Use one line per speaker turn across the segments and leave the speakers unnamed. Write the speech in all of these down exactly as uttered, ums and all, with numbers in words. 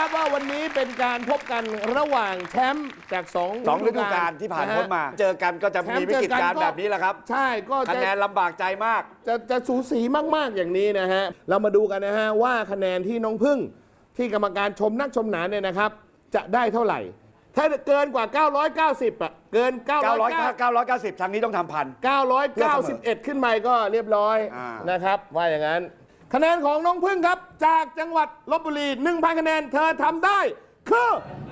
นะครับว่าวันนี้เป็นการพบกันระหว่างแชมป์จากสอง
สองฤดูกาลที่ผ่านพ้นมา เจอกันก็จะมีวิกฤตการณ์แบบนี้แหละครับ
ใช่ก็
คะแนนลำบากใจมาก
จะจะสูสีมากๆอย่างนี้นะฮะเรามาดูกันนะฮะว่าคะแนนที่น้องพึ่งที่กรรมการชมนักชมหนาเนี่ยนะครับจะได้เท่าไหร่ถ้าเกินกว่าเก้าร้อยเก้าสิบอ่ะเกินเก้าร้อย
เก้าร้อยเก้าสิบทางนี้ต้องทำพัน
เก้าร้อยเก้าสิบเอ็ดขึ้นไปก็เรียบร้อยนะครับว่าอย่างนั้นคะแนนของน้องพึ่งครับจากจังหวัดลพบุรี หนึ่งพัน คะแนนเธอทำได้คือ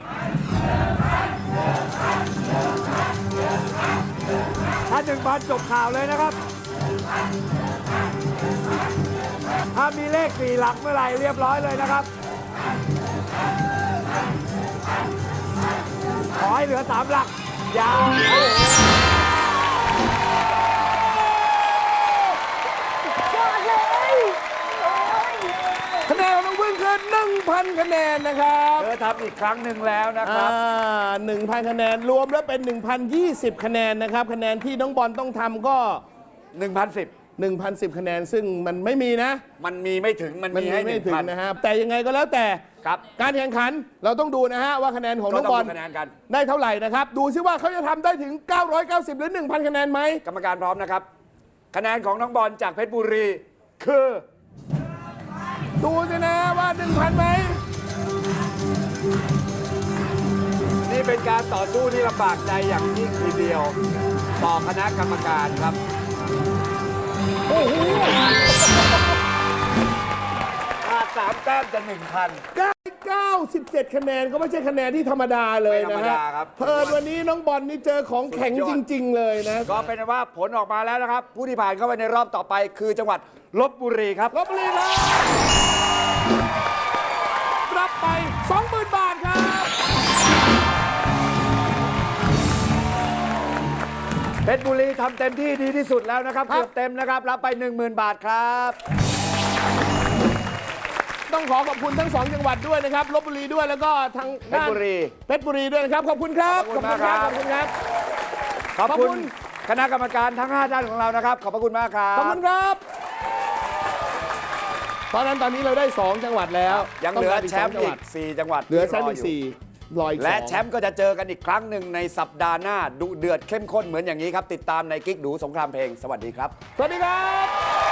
ถ้าหนึ่งพันจบข่าวเลยนะครับถ้ามีเลขสี่หลักเมื่อไหร่เรียบร้อยเลยนะครับขอให้เหลือสามหลักยาว
คะแนนของน้องพึ่งคือ หนึ่งพัน คะแนนนะครับ
เธอทำอีกครั้งหนึ่งแล้วนะครับ
หนึ่งพัน คะแนนรวมแล้วเป็น หนึ่งพันยี่สิบ คะแนนนะครับคะแนนที่น้องบอลต้องทำก็
หนึ่งพันสิบ
หนึ่งพันสิบ คะแนนซึ่งมันไม่มีนะ
มันมีไม่ถึงมันมีให้
ไม่ถึงนะครับแต่ยังไงก็แล้วแต่การแข่งขันเราต้องดูนะฮะว่าคะแนนของน้องบอลได้เท่าไหร่นะครับดูซิว่าเขาจะทำได้ถึงเก้าร้อยเก้าสิบหรือ หนึ่งพัน คะแนนไหม
กรรมการพร้อมนะครับคะแนนของน้องบอลจากเพชรบุรีคือ
ดูสินะว่า หนึ่งพัน ไหม
นี่เป็นการต่อสู้ที่ลำบากใจอย่างยิ่งทีเดียวต่อคณะกรรมการครับ
โอ้โห
ขาดสามแต้มจะหนึ่งพัน
เก้าสิบเจ็ด คะแนนก็ไม่ใช่คะแนนที่ธรรมดาเลยนะฮะเพิ่นวันนี้น้องบอลนี่เจอของแข็งจริงๆเลยนะ
ก็เป็นว่าผลออกมาแล้วนะครับผู้ที่ผ่านเข้าไปในรอบต่อไปคือจังหวัดลพบุรีครับ
ลพบุรีครับรับไป สองหมื่น บาทครับ
เพชรบุรีทำเต็มที่ดีที่สุดแล้วนะครับเกือบเต็มนะครับรับไป หนึ่งหมื่น บาทครับ
ต้องขอขอบคุณทั้งสองจังหวัดด้วยนะครับลพบุรีด้วยแล้วก็ทาง
เพชรบุรี
เพชรบุรีด้วยนะครับขอบคุณครับ
ขอบคุณครับ
ขอบคุณครับ
ขอบคุณคณะกรรมการทั้งห้าท่านของเรานะครับขอบพระคุณมากครับ
ขอบคุณครับเพราะนั้นตอนนี้เราได้สองจังหวัดแล้ว
ยังเหลือแชมป์อีกสี่จังหวัด
เหลือแชมป์อีกสี่
และแชมป์ก็จะเจอกันอีกครั้งหนึ่งในสัปดาห์หน้าดุเดือดเข้มข้นเหมือนอย่างนี้ครับติดตามในกิ๊กดูสงครามเพลงสวัสดีครับ
สวัสดีครับ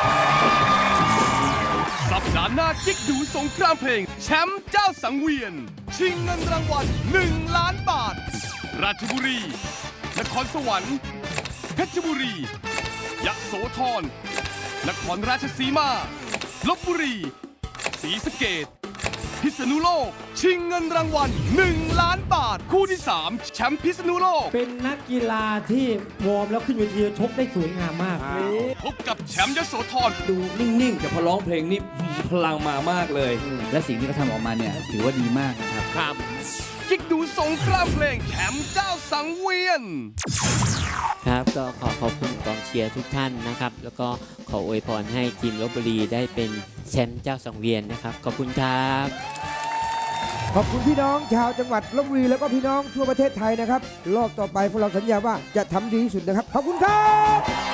สัปดาห์หน้ากิ๊กดูสงครามเพลงแชมป์เจ้าสังเวียนชิงเงินรางวัลหนึ่งล้านบาทราชบุรีนครสวรรค์เพชรบุรียโสธรนครราชสีมาลพบุรีศรีสะเกษพิษณุโลกชิงเงินรางวัลหนึ่งล้านบาทคู่ที่สามแชมป์พิษณุโลก
เป็นนักกีฬาที่วอร์มแล้วขึ้นเวทีชกได้สวยงามมาก
พบกับแชมป์ยโสธร
ดูนิ่งๆแต่พอร้องเพลงนี่พลังมามากเลยและสิ่งที่เขาทำออกมาเนี่ยถือว่าดีมากนะครับ
ครับกิ๊กดูสงครามเพลงแชมป์เจ้าสังเวียน
ครับก็ขอขอบคุณกองเชียร์ทุกท่านนะครับแล้วก็ขออวยพรให้ทีมลพบุรีได้เป็นแชมป์เจ้าสังเวียนนะครับขอบคุณครับ
ขอบคุณพี่น้องชาวจังหวัดลพบุรีแล้วก็พี่น้องทั่วประเทศไทยนะครับรอบต่อไปพวกเราสัญญาว่าจะทำดีที่สุดนะครับขอบคุณครับ